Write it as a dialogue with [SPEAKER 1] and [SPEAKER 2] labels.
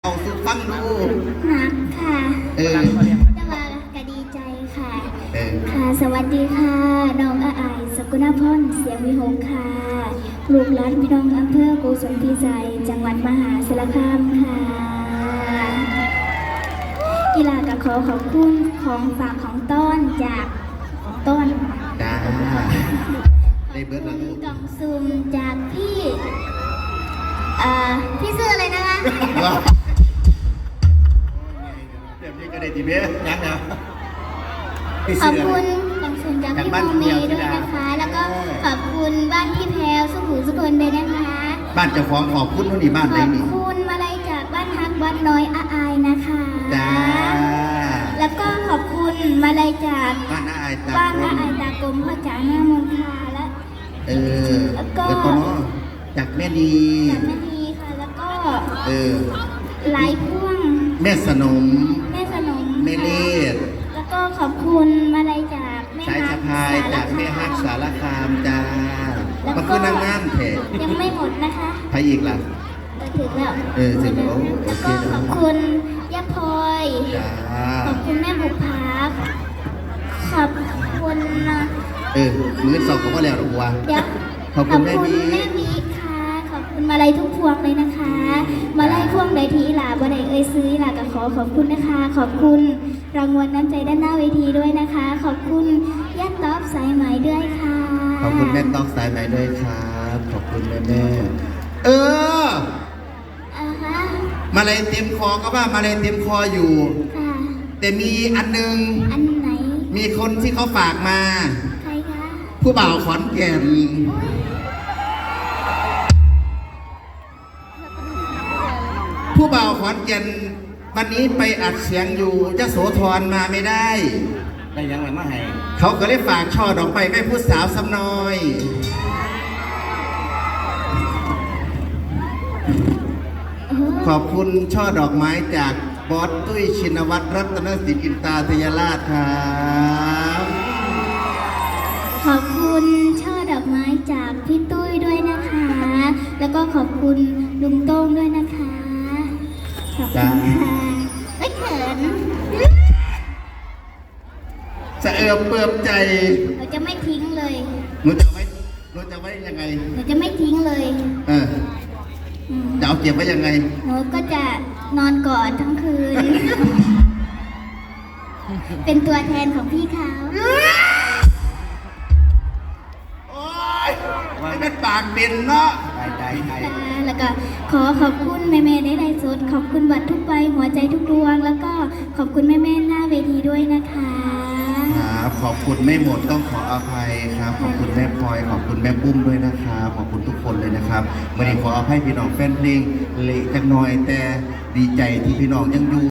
[SPEAKER 1] เอาสุฟังดู
[SPEAKER 2] นักค่ะ
[SPEAKER 1] จะ
[SPEAKER 2] มากะดีใจค่ะ
[SPEAKER 1] ค่ะ
[SPEAKER 2] สวัสดีค่ะน้องอาอายสกุณพรเสียงวิหกค่ะลูกหลานพี่น้องอำเภอโกสุมพิสัยจังหวัดมหาสารคามค่ะกีฬากับขอบคุณของฝากของต้นจากต้น
[SPEAKER 1] จ้าได้เบิร์ดแล้วลูก
[SPEAKER 2] กล่องซุ่มจากพี่ชื่ออะไรนะคะ
[SPEAKER 1] เดี๋ยวพี่ก็ได้จีเบ้ยังนะ
[SPEAKER 2] ขอบคุณกล่องซุ่มจากพี่โมเมด้วยนะคะ แล้วก็ขอบคุณบ้านพี่แพรวสุขุมสุพลด้วยนะคะ
[SPEAKER 1] บ้านเจ้าของขอบคุณนู่นนี่บ้านไหนนี่
[SPEAKER 2] ขอบคุณมาลัยจากบ้านฮักวัดน้อยอาอายนะคะ
[SPEAKER 1] จ้า
[SPEAKER 2] แล้วก็ขอบคุณมาลัยจาก
[SPEAKER 1] บ้านอาอายต
[SPEAKER 2] ากรมพ่อจ๋าหน้ามนทาแล้วก็
[SPEAKER 1] จากแม่ดี
[SPEAKER 2] ค่ะแล้วก็หลายพ่วง
[SPEAKER 1] แม่สนม
[SPEAKER 2] แ
[SPEAKER 1] ม่เล่
[SPEAKER 2] แล้วก็ขอบคุณมาลัยจากแม่
[SPEAKER 1] สายสะพายจากแม่ฮักสารคามจ้ามาคือนางงามแท้
[SPEAKER 2] ยังไม่หมดนะคะ
[SPEAKER 1] ใครอีกล่ะ
[SPEAKER 2] ถึงแล้ว
[SPEAKER 1] ถึงแล้ว
[SPEAKER 2] แล้วก็ขอบคุณย่าพลอยขอบคุณแม่บุภาขอบคุณ
[SPEAKER 1] มื้อสองก็ว่าแล้วหรอวะขอบคุณแม่บี
[SPEAKER 2] ค่ะขอบคุณมาลัยทุกพวงเลยนะคะมาลัยพวงใดทีหลาบ่ได้ซื้อหลาก็ขอบคุณนะคะขอบคุณรางวัลน้ำใจด้านหน้าเวทีด้วยนะคะขอบคุณย่าต๊อบสายไหมด้วยค่ะ
[SPEAKER 1] ขอบคุณแม่ต๊อบสายไหมด้วยครับขอบคุณแม่มาลัยเต็มคอก็ว่ามาลัยเต็มคออยู่แต่มีอันนึง
[SPEAKER 2] อันไหน
[SPEAKER 1] มีคนที่เขาฝากมา
[SPEAKER 2] ใครคะ
[SPEAKER 1] ผู้บ่าวขอนแก่นผู้บ่าวขอนแก่นวันนี้ไปอัดเสียงอยู่ยโสธรมาไม่ได้
[SPEAKER 3] ยังไงมาให้
[SPEAKER 1] เขาก็เลยฝากช่อดอกไม้แม่ผู้สาวสำน้อยขอบคุณช่อดอกไม้จากบอสตุ้ยชินวัตรรัตนสิทธิ์อินตาทยราชครับ
[SPEAKER 2] ขอบคุณช่อดอกไม้จากพี่ตุ้ยด้วยนะคะแล้วก็ขอบคุณลุงโต้งด้วยนะคะขอบคุณค่ะไม่เขิน
[SPEAKER 1] จะเปิบใจ
[SPEAKER 2] เราจะไม่ทิ้งเลย
[SPEAKER 1] หนูจะไว้ยังไง
[SPEAKER 2] เราจะไม่ทิ้งเลย
[SPEAKER 1] จะเอาเก็บไว้ยังไง
[SPEAKER 2] หนูก็จะนอนกอดทั้งคืนเป็นตัวแทนของพี่เขา
[SPEAKER 1] โอ๊ยไม่เป็นปากเป็นเนาะ
[SPEAKER 2] ใจแล้วก็ขอบคุณแม่ได้ไลฟ์สดขอบคุณบัตรทุกใบหัวใจทุกดวงแล้วก็ขอบคุณแม่หน้าเวทีด้วยนะคะ
[SPEAKER 1] ครับขอบคุณไม่หมดต้องขออภัยครับขอบคุณแม่พลอยขอบคุณแม่ปุ้มด้วยนะครับขอบคุณทุกคนเลยนะครับวันนี้ขออภัยพี่น้องแฟนเพลงเละจังหน่อยแต่ดีใจที่พี่น้องยังอยู่